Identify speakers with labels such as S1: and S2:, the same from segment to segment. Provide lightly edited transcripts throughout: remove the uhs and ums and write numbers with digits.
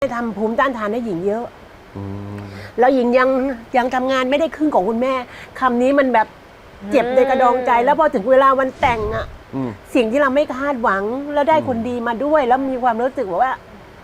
S1: ทำภูมิต้านทานให้หญิงเยอะแล้วหญิงยังทำงานไม่ได้ครึ่งของคุณแม่คำนี้มันแบบเจ็บในกระดองใจแล้วพอถึงเวลาวันแต่งอ่ะสิ่งที่เราไม่คาดหวังแล้วได้คนดีมาด้วย แล้วมีความรู้สึกว่า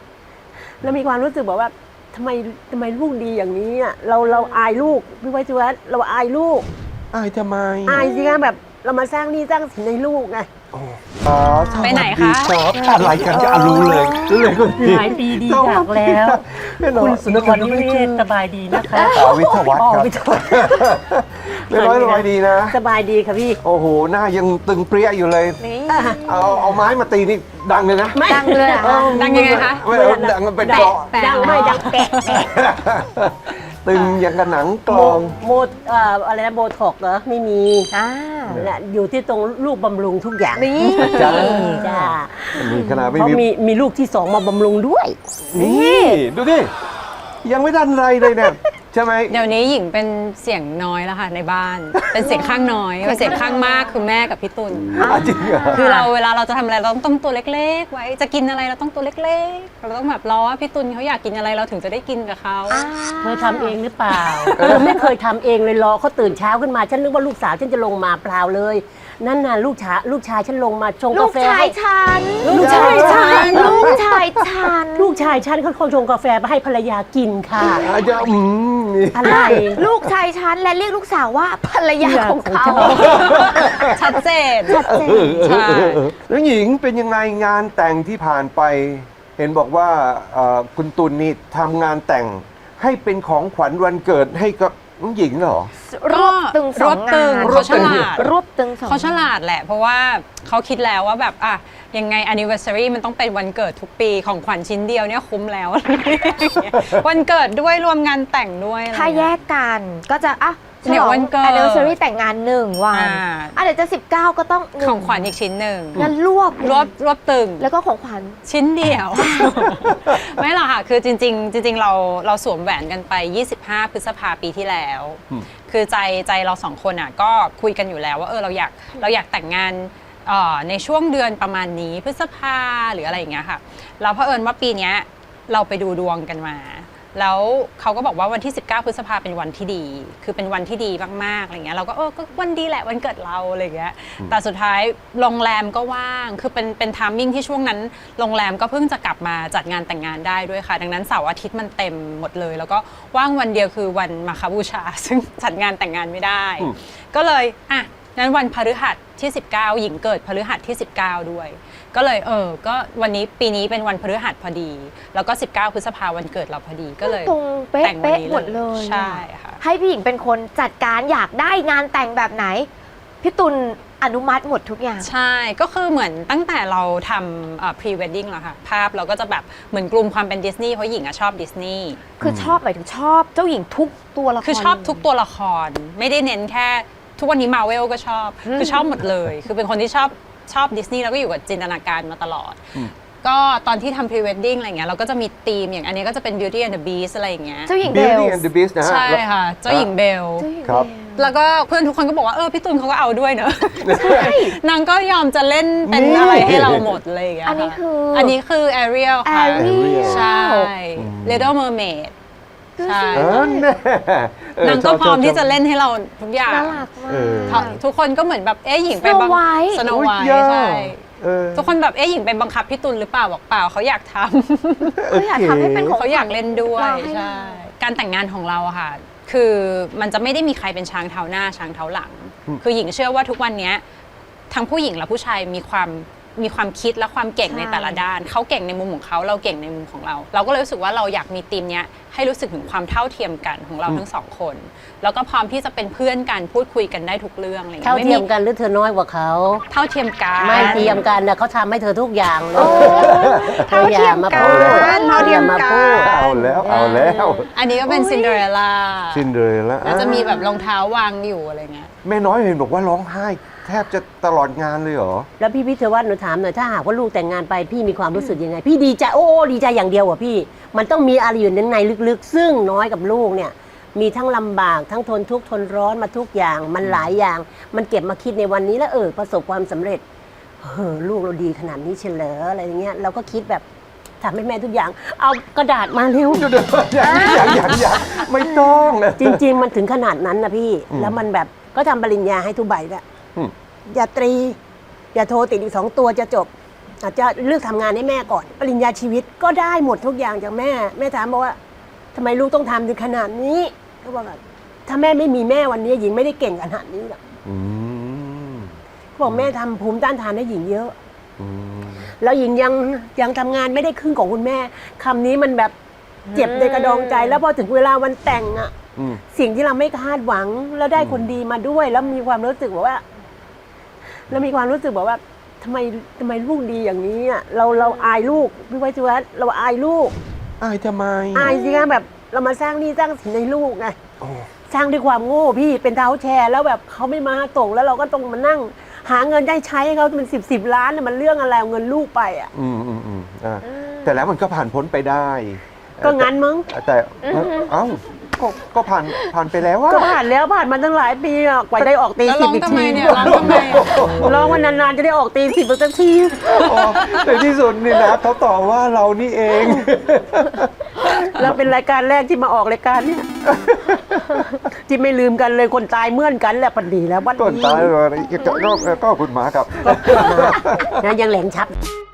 S1: ทำไมลูกดีอย่างนี้อ่ะเราอายลูกพี่ไว้ชวัฒน์เราอายลูก
S2: อายทำไม
S1: อายสิคะแบบเรามาสร้างหนี้สร้างสินในลูกไง
S3: ไปไหนคะ
S2: อะไรกันจะรู้เลยคุณพี่
S4: หลายปีดีจากแล้วคุณสุนทรวิเวศสบายดีนะคะ
S2: วิทยวัฒน์ครับไม่ร้อยดีนะ
S1: สบายดีค่ะพี่
S2: โอ้โหหน้ายังตึงเปรี้ยอยู่เลยเอาไม้มาตีนี่ดังเลยนะ
S3: ดังเลยดังยังไงคะ
S2: ไม่ดังมันเป็นเกาะ
S1: ดังไม่ดังแปะ
S2: ตึงอย่างกับหนังกลอง
S1: อะไรนะโบท็อกเหรอไม่มีอยู่ที่ตรงลูกบำรุงทุกอย่าง
S3: นี่
S2: จ้า
S1: มี
S2: ขนาดไม่
S1: มีลูกที่2มาบำรุงด้วย
S2: นี่ดูดิยังไม่ทันไรเลยเนี่ยใช่ไหม
S3: เดี๋ยวนี้หญิงเป็นเสียงน้อยแล้วค่ะในบ้านเป็นเสียงข้างน้อยเป็นเสียงข้างมากคือแม่กับพี่ตุล
S2: จริงเหรอ
S3: คือเวลาเราจะทำอะไรเราต้องตัวเล็กๆไว้จะกินอะไรเราต้องตัวเล็กๆเราต้องแบบรอว่าพี่ตุลเขาอยากกินอะไรเราถึงจะได้กินกับเขา
S1: เธอทำเองหรือเปล่าไม่เคยทำเองเลยรอเขาตื่นเช้าขึ้นมาฉันนึกว่าลูกสาวฉันจะลงมาเปล่าเลยนั่นน่ะลูกชายฉันลงมาชงกาแฟ
S3: ลูกชายฉัน
S1: เขาคนชงกาแฟมาให้ภรรยากินค่ะอะไร
S3: ลูกชายฉันและเรียกลูกสาวว่าภรรยาของเขาชัดเจน
S2: ใช่แล้วหญิงเป็นยังไงงานแต่งที่ผ่านไปเห็นบอกว่าคุณตุลนี่ทำงานแต่งให้เป็นของขวัญวันเกิดให้กับน้องหญิงเหรอ
S3: รวบตึงเขาฉลาดรวบตึงเขาฉลาดแหละเพราะว่าเขาคิดแล้วว่าแบบยังไง anniversary มันต้องเป็นวันเกิดทุกปีของขวัญชิ้นเดียวเนี่ยคุ้มแล้ววันเกิดด้วยรวมงานแต่งด้วย
S5: ถ้าแยกกันก็จะ
S3: เนี่ยวันเกิด
S5: anniversary แต่งงาน1 วันเดี๋ยวจะ19ก็ต้อง
S3: ของขวัญอีกชิ้นหนึ่ง
S5: งั้นรวบตึงแล้วก็ของขวัญ
S3: ชิ้นเดียวไม่หรอกค่ะคือจริงเราสวมแหวนกันไป25 พฤษภาปีที่แล้วคือใจเรา2 คนก็คุยกันอยู่แล้วว่าเราอยากแต่งงานในช่วงเดือนประมาณนี้พฤษภาหรืออะไรอย่างเงี้ยค่ะเราเผอิญว่าปีนี้เราไปดูดวงกันมาแล้วเขาก็บอกว่าวันที่19 พฤษภาเป็นวันที่ดีคือเป็นวันที่ดีมากๆอะไรเงี้ยเราก็ก็วันดีแหละวันเกิดเราอะไรเงี้ยแต่สุดท้ายโรงแรมก็ว่างคือเป็นไทมิ่งที่ช่วงนั้นโรงแรมก็เพิ่งจะกลับมาจัดงานแต่งงานได้ด้วยค่ะดังนั้นเสาร์อาทิตย์มันเต็มหมดเลยแล้วก็ว่างวันเดียวคือวันมาฆบูชาซึ่งจัดงานแต่งงานไม่ได้ก็เลยนั้นวันพฤหัสที่19หญิงเกิดพฤหัสที่19ด้วยก็เลยก็วันนี้ปีนี้เป็นวันพฤหัสพอดีแล้วก็19 พฤษภาวันเกิดเราพอดีก็เลย
S5: ตรงเป๊ะหมดเลย
S3: ใช่ค่ะ
S5: ให้พี่หญิงเป็นคนจัดการอยากได้งานแต่งแบบไหนพี่ตุลอนุมัติหมดทุกอย่าง
S3: ใช่ก็คือเหมือนตั้งแต่เราทำpre wedding แล้วค่ะภาพเราก็จะแบบเหมือนกลุ่มความเป็นดิสนีย์เพราะหญิงชอบดิสนีย์
S5: คือชอบหมายถึงชอบเจ้าหญิงทุกตัวละคร
S3: คือชอบทุกตัวละครไม่ได้เน้นแค่ทุกวันนี้มาเวลก็ชอบคือชอบหมดเลยคือเป็นคนที่ชอบดิสนีย์แล้วก็อยู่กับจินตนาการมาตลอดก็ตอนที่ทำ pre wedding อะไรเงี้ยเราก็จะมีธีมอย่างอันนี้ก็จะเป็น Beauty and the Beast อะไรอย่างเงี้ย
S5: เจ้าหญิงเบล
S2: Beauty and the Beast นะฮะ
S3: ใช่ค่ะเจ้าหญิงเบล
S2: ครับ
S3: แล้วก็เพื่อนทุกคนก็บอกว่าพี่ตุลเขาก็เอาด้วยเนอะนางก็ยอมจะเล่นเป็นอะไรให้เราหมดเลยอย่างเงี้ยอันนี้คือ Ariel ค่ะใช่ Little Mermaidใช่นางก็พร้อมที่จะเล่นให้เราทุกอย่าง
S5: น่ารักมาก
S3: ทุกคนก็เหมือนแบบหญิงไปบังคับสโนไวท์ใช่ทุกคนแบบหญิงไปบังคับพี่ตุลหรือเปล่าบอกเปล่าเขาอยากทำ
S5: ให้เป็นของ
S3: เขาอยากเล่นด้วยใช่การแต่งงานของเราอะค่ะคือมันจะไม่ได้มีใครเป็นช้างเท้าหน้าช้างเท้าหลังคือหญิงเชื่อว่าทุกวันนี้ทั้งผู้หญิงและผู้ชายมีความคิดและความเก่งในแต่ละด้านเขาเก่งในมุมของเขาเราเก่งในมุมของเราก็เลยรู้สึกว่าเราอยากมีทีมเนี้ยให้รู้สึกถึงความเท่าเทียมกันของเราทั้ง2 คนแล้วก็พร้อมที่จะเป็นเพื่อนกันพูดคุยกันได้ทุกเรื่องอะไรอย่าง
S1: เงี้ยเท่าเทียมกันหรือเธอน้อยกว่าเขา
S3: เท่าเทียมกัน
S1: ไม่เทียมกันนะเขาทำให้เธอทุกอย่างเลย
S5: เท่าเทียมกัน
S1: เท่าเทียมกัน
S2: เอาแล้ว
S3: อันนี้ก็เป็นซินเดอเรลล่า
S2: แล้ว
S3: จะมีแบบรองเท้าวางอยู่อะไรเงี้ย
S2: แม่น้อยเห็นบอกว่าร้องไห้แทบจะตลอดงานเลยเหรอ
S1: แล้วพี่เทวัฒน์หนูถามหน่อยถ้าหากว่าลูกแต่งงานไปพี่มีความรู้สึกยังไงพี่ดีใจดีใจอย่างเดียวอ่ะพี่มันต้องมีอะไรอยู่ในลึกๆซึ่งน้อยกับลูกเนี่ยมีทั้งลำบากทั้งทนทุกข์ทนร้อนมาทุกอย่างมันหลายอย่างมันเก็บมาคิดในวันนี้แล้วประสบความสำเร็จลูกเราดีขนาดนี้เฉลยอะไรอย่างเงี้ยเราก็คิดแบบทำให้แม่ทุกอย่าง เอากระดาษมาเร็ว
S2: อย่างไม่ต้อง
S1: จริง ๆ มันถึงขนาดนั้นนะพี่ แล้วมันแบบก็ทำปริญญาให้ทุกใบแล้ว
S2: อืม
S1: อย่าตรี อย่าโทรติดอีก2 ตัวจะจบ อาจจะเลือกทำงานให้แม่ก่อน ปริญญาชีวิตก็ได้หมดทุกอย่างจากแม่ แม่ถามบอกว่าทำไมลูกต้องทำถึงขนาดนี้เขาบอกว่าถ้าแม่ไม่มีแม่วันนี้หญิงไม่ได้เก่งขนาดนี้หรอก
S2: อืม
S1: เขาบอกแม่ทำภูมิต้านทานให้หญิงเยอะ
S2: อืม
S1: แล้วหญิงยังทำงานไม่ได้ครึ่งของคุณแม่คำนี้มันแบบเจ็บในกระดองใจ แล้วพอถึงเวลาวันแต่งอะ
S2: อืม
S1: สิ่งที่เราไม่คาดหวังแล้วได้คนดีมาด้วย แล้วมีความรู้สึกแบบว่า แล้วมีความรู้สึกแบบว่าทำไมลูกดีอย่างนี้อะเราอายลูกพี่ไว้ชวัฒน์เราอายลูก
S2: อายทำไม
S1: อายสิคะแบบเรามาสร้างหนี่สร้างสินในลูกไง
S2: โอ้
S1: สร้างด้วยความโง่พี่เป็นเท้าแชร์แล้วแบบเขาไม่มาตกแล้วเราก็ต้องมานั่ง หาเงินได้ใช้ให้เขาเป็น10 ล้านเนี่ยมันเรื่องอะไรเอาเงินลูกไปอ่ะ
S2: แต่แล้วมันก็ผ่านพ้นไปได้
S1: ก็งั้นมั้ง
S2: แต่เอ้าก็ผ่านไปแล้วว่า
S1: ก็ผ่านแล้วผ่านมาตั้งหลายปีอะกว่าได้ออกตี
S3: แล้ว
S1: สิ
S3: ร้
S1: บ
S3: อง
S1: อีก
S3: ทำไม
S1: ที
S3: เนี่ยร้องทำไมอะ
S1: ร้องวันนานๆจะได้ออกตีสิบสักที
S2: ในที่สุดนี่นะเขาตอบว่าเรานี่เอง
S1: แล้วเป็นรายการแรกที่มาออกรายการเนี่ยที่ไม่ลืมกันเลยคนตายเมื่อนกันแหละปันดีแล้ววัน
S2: ต้น
S1: นี้
S2: ตายเลยก็คุณหมาครับ
S1: นะยังแหลงชับ